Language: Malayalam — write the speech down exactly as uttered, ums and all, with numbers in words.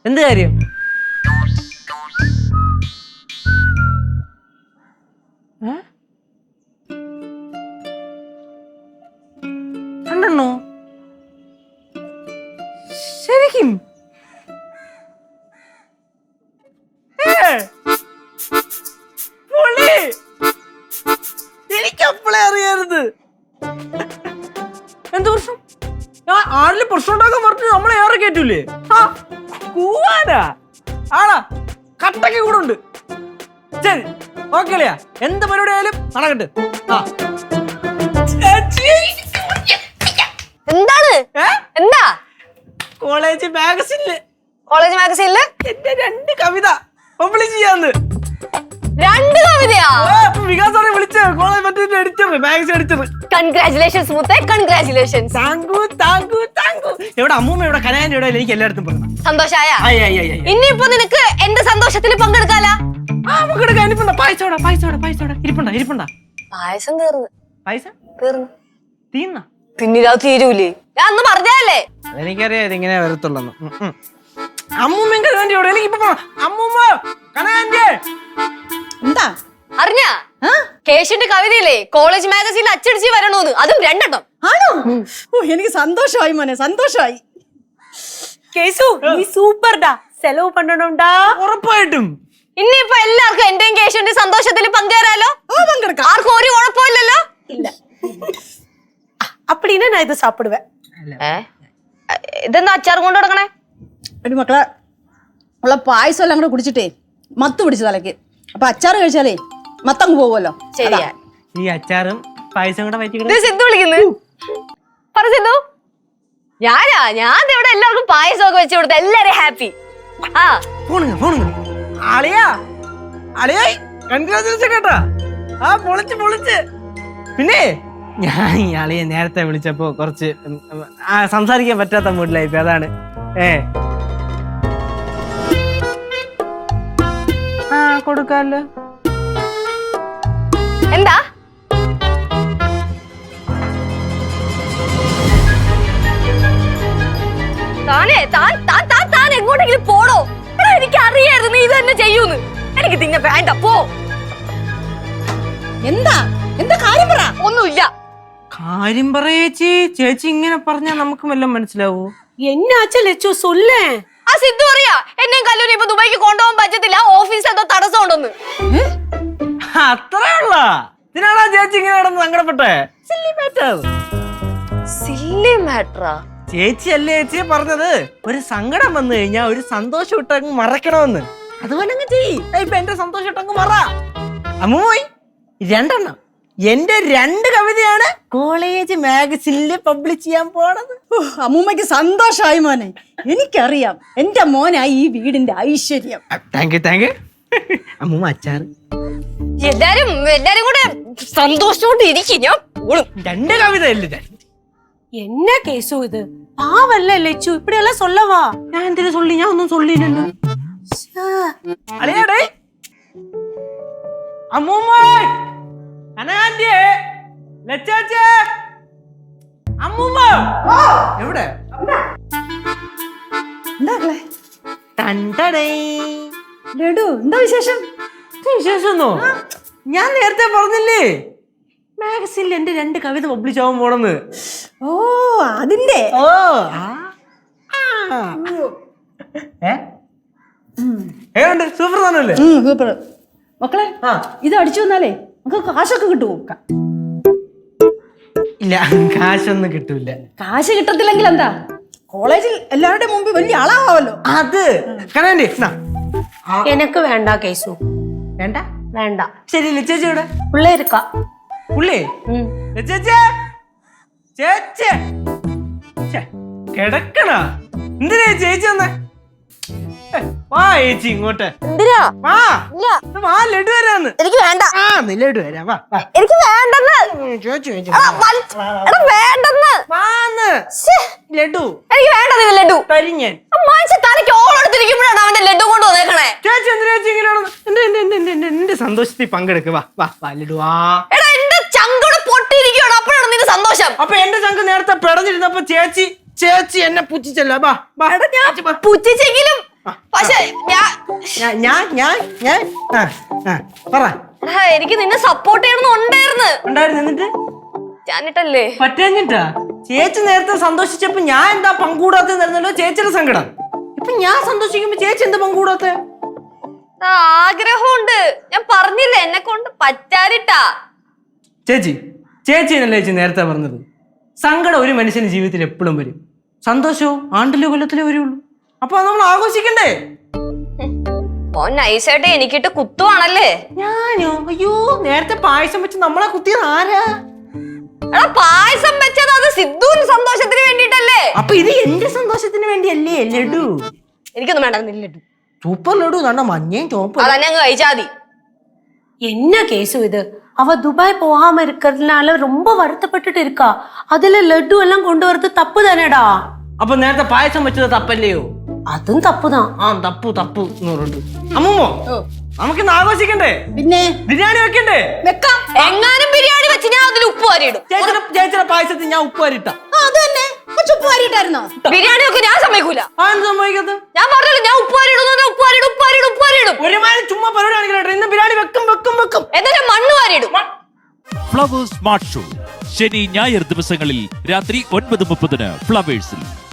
എന്ത് കാര്യം? രണ്ടെണ്ണോ? ശരിക്കും? എനിക്കപ്പോളെ അറിയരുത്. എന്ത് പ്രശ്നം? ഞാൻ ആരില് പ്രശ്നം ഉണ്ടാക്കാൻ പറഞ്ഞു നമ്മളെ ഏറെ കേറ്റൂലേ? കൂവാനാ ആടാ കട്ടയ്ക്ക് കൂടെ ഉണ്ട്. ശരി ഓക്കെ അല്ലയാ, എന്ത് പരിപാടി ആയാലും നടക്കട്ടെ. എന്താണ്? എന്താ? കോളേജ് മാഗസിനില് കോളേജ് മാഗസീനില് എന്റെ രണ്ട് കവിത പബ്ലിഷ് ചെയ്യാന്ന്. രണ്ട് കവിതയാ? വികാസാറെ വിളിച്ച കോളേജ് മറ്റേ എഡിറ്റർ, മാഗസിൻ എഡിറ്റർ. കൺഗ്രാറ്റുലേഷൻസ് മുത്തേ, കൺഗ്രാറ്റുലേഷൻസ്. Thank you thank you thank you. എവിടെ അമ്മൂമ്മ, എവിടെ കനാന്റെ, എവിടെ? എനിക്ക് എല്ലായിടത്തും പറഞ്ഞു. സന്തോഷായ? ഇനിയിപ്പോ നിനക്ക് എന്റെ സന്തോഷത്തിൽ പങ്കെടുക്കാലാ? ആ പങ്കെടുക്കാൻ. ഇരിപ്പുണ്ടാ പായസോടാ പായസോടാ പായസോടാ ഇരിപ്പുണ്ടാ ഇരിപ്പുണ്ടാ പായസം തീർന്നു. പായസം തീർന്നു? തീർന്ന പിന്നിലാ തീരൂലേ? ഞാൻ അന്ന് പറഞ്ഞല്ലേ? എനിക്കറിയാം ഇതിങ്ങനെ വരത്തുള്ളൂ. അമ്മൂമ്മ കനാന്റെ എവിടെ? എനിക്കിപ്പോ അമ്മൂമ്മ കനാന്റെ എന്താ അറിഞ്ഞാ? കേശുന്റെ കവിതയില്ലേ കോളേജ് മാഗസീനിൽ അച്ചടിച്ച് വരണോന്ന്, അതും രണ്ടെണ്ണം. ആണോ? ഓ എനിക്ക് സന്തോഷമായി മോനെ, സന്തോഷമായി. കേസു നീ സൂപ്പർഡാ, സെലവ് പണ്ടണോണ്ടാ. ഉറപ്പായിട്ടും. ഇനിയിപ്പോ എല്ലാവർക്കും എന്റെയും കേശുന്റെ സന്തോഷത്തിൽ പങ്കുചേരാലോ? പങ്കെടുക്കാം. ആർക്കും ഒരു കുഴപ്പമില്ലല്ലോ? இல்ல அப்படின்னா நான் இதை சாப்பிடுவேன். ഇതെന്താ അച്ചാർ കൊണ്ട് കൊടുക്കണേ? ഒരു മക്കളെ ഉള്ള പായസം എല്ലാം കൂടെ കുടിച്ചിട്ടേ മത്ത് പിടിച്ചു തലക്ക്. അപ്പൊ അച്ചാറ് കഴിച്ചാലേ മത്തങ്ങ് പോകുമല്ലോ. ശരിയാ. ഈ അച്ചാറും പായസം കൂടെ പറ്റി സിദ്ധു വിളിക്കുന്നു. പറ സിദ്ധു. ഞാനാ ഞാൻ ഇവിടെ എല്ലാവർക്കും പായസം ഒക്കെ വെച്ച് കൊടുത്ത എല്ലാരും ഹാപ്പി. ആ ഫോണ് ഫോണ് അളിയാ അളിയാ കൺഗ്രാജുലേഷൻ കേട്ടാ. ആ പൊളിച്ച് പൊളിച്ച്. പിന്നെ ഞാൻ ഈ അളിയെ നേരത്തെ വിളിച്ചപ്പോ കുറച്ച് സംസാരിക്കാൻ പറ്റാത്ത മൂഡിലായിപ്പോ, അതാണ്. ഏ ആ കൊടുക്കാല്ലോ. എന്താ? താനേ താൻ താൻ താൻ താൻ എങ്ങോട്ടെങ്കിലും പോടോ. എനിക്ക് അറിയായിരുന്നു നീ ഇത് തന്നെ ചെയ്യൂന്ന്. എനിക്ക് തിന്നെ വേണ്ട, പോ. എന്താ എന്താ കാര്യം പറ. ഒന്നുമില്ല. കാര്യം പറയേച്ചി. ചേച്ചി ഇങ്ങനെ പറഞ്ഞാൽ നമുക്ക് വല്ലതും മനസ്സിലാവൂ? என்னாச்சு லெச்சு சொல்லு. ആ സിദ്ധു അറിയാ എന്നെയും കല്ലൂരി ഇപ്പൊ ദുബായിക്ക് കൊണ്ടുപോകാൻ പറ്റത്തില്ല, ഓഫീസ് എന്തോ തടസ്സം ഉണ്ടെന്ന്. അത്രേ ഉള്ള ഇതിനാണോ ചേച്ചി ഇങ്ങനെ കിടന്ന് സങ്കടപ്പെട്ടെ? Silly matter. സില്ലി മാറ്ററാ? ചേച്ചി അല്ലേ ചേച്ചിയെ പറഞ്ഞത് ഒരു സങ്കടം വന്നു കഴിഞ്ഞാൽ ഒരു സന്തോഷം ഇട്ടങ്ങ് മറക്കണമെന്ന്. അതുപോലെ അങ്ങ് ചെയ്യ്. ഇപ്പൊ എന്റെ സന്തോഷം ഇട്ടങ്ങ് മറ. അമ്മൂയി രണ്ടെണ്ണം എന്റെ രണ്ട് കവിതയാണ് കോളേജ് മാഗസിനില് പബ്ലിഷ് ചെയ്യാൻ പോണത്. അമ്മൂമ്മക്ക് സന്തോഷമായി മോനെ. എനിക്കറിയാം എന്റെ മോനായി ഈ വീടിന്റെ ഐശ്വര്യം. Thank you thank you. അമ്മൂമ്മ അച്ചാറ്. എല്ലാരും എല്ലാരും കൂടെ സന്തോഷത്തോടെ ഇരിക്കും. ഞാൻ പോളും. രണ്ട് കവിത അല്ലേ? என்ன கேசு இது? பாவல்ல லெச்சு, இப்படி எல்லாம் சொல்லவா? ഞാൻ എന്തിനു சொல்லி? ഞാൻ ഒന്നും சொல்லிല്ലല്ലോ. അളിയാടേ അമ്മൂമ്മ അനാന്റെ ലച്ചാച്ചേ അമ്മൂമ്മ എവിടെ? എന്താ തണ്ടടേ ലഡു, എന്താ വിശേഷം? വിശേഷമൊന്നോ? ഞാൻ നേരത്തെ പറഞ്ഞില്ലേ മാഗസിനിൽ എന്റെ രണ്ട് കവിത പബ്ലിഷ് ആവാൻ പോണെന്ന്. ഓ അതിന്റെ. ഓ ഏണ്ട് സൂപ്പർ താനല്ലേ? സൂപ്പർ. മക്കളെ ഇത് അടിച്ചു വന്നാലേ നമുക്ക് കാശൊക്കെ കിട്ടുമോ? ഇല്ല, കാശൊന്നും കിട്ടൂല. കാശ് കിട്ടത്തില്ലെങ്കിൽ എന്താ, കോളേജിൽ എല്ലാവരുടെ മുമ്പിൽ വലിയ ആളാവാമല്ലോ. അത് കനാൻഡി எனக்கு வேண்டாம் கேசு. വേണ്ട வேண்டாம். ശരി. ചേച്ചി ഇവിടെ உள்ள இருக்கா? പുള്ളി ചേച്ചി ചേച്ചി കിടക്കണ എന്തിനാ ചേച്ചി വന്നേ? വാ ചേച്ചി ഇങ്ങോട്ട്. എന്തിനാ? വാ വാ ലഡു വരാന്ന്. എനിക്ക് വേണ്ട. ആ നീ ലഡു വരാ. വാ എനിക്ക് വേണ്ടെന്ന്. ചേച്ചി ചേച്ചി വേണ്ടെന്ന്. വാന്ന് ലഡു. എനിക്ക് വേണ്ടത് ലഡു. കരിഞ്ഞൻ മനുഷ്യ തലയ്ക്ക് ഓളെടുത്തിരിക്കുമ്പോഴാണ് അവന്റെ ലഡു കൊണ്ട് വന്നേക്കണേ. ചേച്ചി എന്തിനാ ചേച്ചി ഇങ്ങനെയാണ്? എന്റെ എന്റെ സന്തോഷത്തിൽ പങ്കെടുക്കുക. വാ വാ വാ ലഡു വാ. എടാ എന്റെ ചങ്കോട് പൊട്ടിയിരിക്കുകയാണ്, അപ്പോഴാണ് നിന്റെ സന്തോഷം. അപ്പൊ എന്റെ ചങ്ക് നേരത്തെ പിടഞ്ഞിരുന്നപ്പോ ചേച്ചി ചേച്ചി എന്നെ പുച്ഛിച്ചല്ലോ. ബാ പുച്ഛിച്ചെങ്കിലും പക്ഷെ ഞാൻ ഞാൻ ഞാൻ ഞാൻ ഞാൻ ആ ആ പറ എടാ, എനിക്ക് നിന്നെ സപ്പോർട്ട് ചെയ്യണമെന്നുണ്ടായിരുന്നു. ഉണ്ടായിരുന്നു എന്നിട്ട് ഞാനിട്ടല്ലേ പറ്റാഞ്ഞിട്ടാ ചേച്ചി നേരത്തെ സന്തോഷിച്ചപ്പോ ഞാൻ എന്താ പങ്കൂടാത്തല്ലോ ചേച്ചിയുടെ സങ്കടം. ഇപ്പൊ ഞാൻ സന്തോഷിക്കുമ്പോ ചേച്ചി എന്താ പങ്കൂടാത്ത? ആഗ്രഹമുണ്ട്, ഞാൻ പറഞ്ഞില്ലേ എന്നെ കൊണ്ട് പറ്റാതിട്ടാ. ചേച്ചി ചേച്ചിനല്ലേ ചേച്ചി നേരത്തെ പറഞ്ഞത് സങ്കടം ഒരു മനുഷ്യന്റെ ജീവിതത്തിൽ എപ്പോഴും വരും, സന്തോഷവും ആണ്ടിലോ കൊല്ലത്തിലോ വരുള്ളൂ. അപ്പൊ അത് നമ്മൾ ആഘോഷിക്കണ്ടേ? ഓ നൈസായിട്ട് എനിക്കിട്ട് കുത്തുവാണല്ലേ. ഞാനോ? അയ്യോ, നേരത്തെ പായസം വെച്ച് നമ്മളെ കുത്തിയത് ആരാ? എടാ പായസം വെച്ചത് അത് സിദ്ധുവിന് സന്തോഷത്തിന് വേണ്ടിട്ടല്ലേ. അപ്പൊ ഇത് എന്റെ സന്തോഷത്തിന് വേണ്ടിയല്ലേ ലഡു? എനിക്കൊന്നും വേണ്ട ലഡു. സൂപ്പർ ലഡു കണ്ട മഞ്ഞയും ചോപ്പും. അതന്നെ അങ്ങ് കഴിച്ചാതി. என்ன கேசு இது? அவ துபாய் போகாம இருக்கிறதுனால ரொம்ப வருத்தப்பட்டுட்டு இருக்கா. அதுல லட்டு எல்லாம் கொண்டு வரது தப்பு தானேடா. അപ്പൊ നേരത്തെ പായസം വെച്ചത് തപ്പല്ലയോ? അതും തപ്പുதான். ആ തപ്പു തപ്പു എന്ന് പറഞ്ഞിട്ട് അമ്മൂമ്മോ നമുക്കിന്ന് ആഘോഷിക്കണ്ടേ? പിന്നെ ബിരിയാണി വെക്കണ്ടേ? വെക്കാം. എങ്ങാനും ബിരിയാണി വെച്ച് ഞാൻ അതിൽ ഉപ്പ് വാരിയിടും. ചേച്ചിയുടെ ചേച്ചിയുടെ പായസത്തിൽ ഞാൻ ഉപ്പ് വരിട്ട. ആ, അത് തന്നെ ഉപ്പ് വാരിയിട്ടായിരുന്നോ? ബിരിയാണി ഒക്കെ ഞാൻ സമ്മതിക്കൂല. ആ എന്ത് സംഭവിക്കത്ത്? ഞാൻ പറഞ്ഞല്ലോ ഞാൻ ഉപ്പ് വാരിയിടും, ഉപ്പ് വാരിയിടും, ഉപ്പ് വാരിയിടും, ഉപ്പ് വാരിയിടും. ഒരുമാതിരി ചുമ്മാ പരിപാടി കാണിക്കട്ടെ. ഇന്ന് ബിരിയാണി വെക്കും വെക്കും വെക്കും. എന്നിട്ട് മണ്ണ് വാരിയിടും. ഫ്ലവേഴ്സ് സ്മാർട്ട് ഷോ ശനി ഞായർ ദിവസങ്ങളിൽ രാത്രി ഒൻപത് മുപ്പതിന് ഫ്ലവേഴ്സിൽ.